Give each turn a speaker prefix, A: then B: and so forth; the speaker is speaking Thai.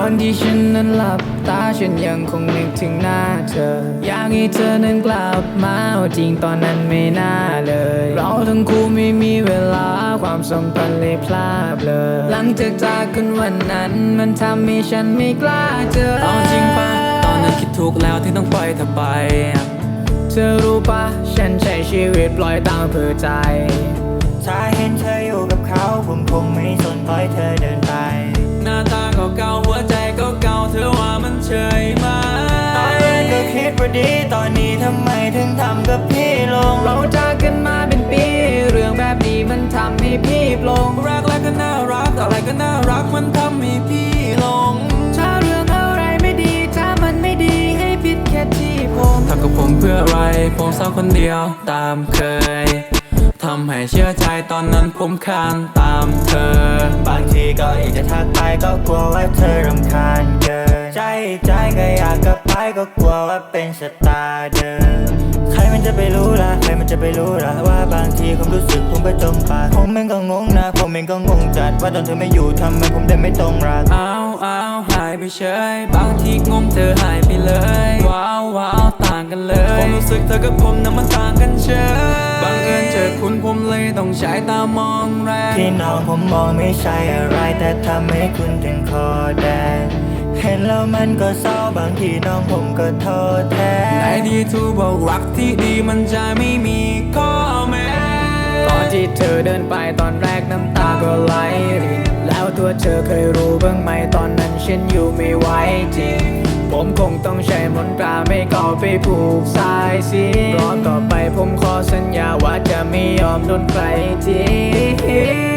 A: อนที่ฉันนั้นหลับตาฉันยังคงนึกถึงหน้าเธออยากให้เธอนั้นกลับมาจริงตอนนั้นไม่น่าเลยเราทั้งคู่ไม่มีเวลาความสัมพันธ์เลยพลาดเลยหลังจากจากกันวันนั้นมันทำให้ฉันไม่กล้าเจอ
B: เอาจริงปะตอนนั้นคิดถูกแล้วที่ต้องปล่อยเธอไป
A: เธอรู้ปะฉันใช้ชีวิตปล่อยตามเพื่อใจ
C: ถ้าเห็นเธออยู่กับเขาผมคงไม่สนปล่อยเธอเดินไป
B: หน้าตาเก่าๆหัวใจเก่าๆเธอว่ามันเฉยไหม
C: ตอนแรกก็คิดว่าดีตอนนี้ทำไมถึงทำกับพี่ลง
A: เราจากกันมาเป็นปีเรื่องแบบนี้มันทำให้พี่ปลง
B: รักแล้วก็น่ารักอะไรก็น่ารักมันทำให้พี่หลง
A: ถ้าเรื่องอะไรไม่ดีถ้ามันไม่ดีให้ผิดแค่ที่ผม
B: ทำกับผมเพื่ออะไรผมเศร้าคนเดียวตามเคยทำให้เชื่อใจตอนนั้นผมคานตามเธอบ
C: างทีก็อยากจะทักไปก็กลัวว่าเธอรำคาญเกินใจก็อยากกลับไปก็กลัวว่าเป็นชะตาเดิมใครมันจะไปรู้ล่ะใครมันจะไปรู้ล่ะว่าบางทีความรู้สึกผมก็จมปากผมเองก็งงนะผมเองก็งงจัดว่าตอนเธอไม่อยู่ทำไมผมเดินไม่ตรงรัก
B: อ้าวหายไปเฉยบางทีงงเธอหายไปเลยว้าวต่างกันเลยความรู้สึกเธอกับผมนั้นมันต่างกันเฉยบังเอิญเจอคุณผมเลยต้องใช้ตามองแรง
C: ที่น้องผมมองไม่ใช่อะไรแต่ทำให้คุณถึงคอแดงเห็นแล้วมันก็เศร้าบางทีน้องผมก็โทษแทน
B: ในดีทูบอกรักที่ดีมันจะไม่มีข้อแม้
A: ตอนที่เธอเดินไปตอนแรกน้ำตาก็ไหลรินแล้วตัวเธอเคยรู้บ้างไหมตอนนั้นฉันอยู่ไม่ไหวจริงผมคงต้องใช้มนตราไม่ก่อไปผูกสายสิเพราะต่อไปผมขอสัญญาว่าจะไม่ยอมโดนใครทิ้ง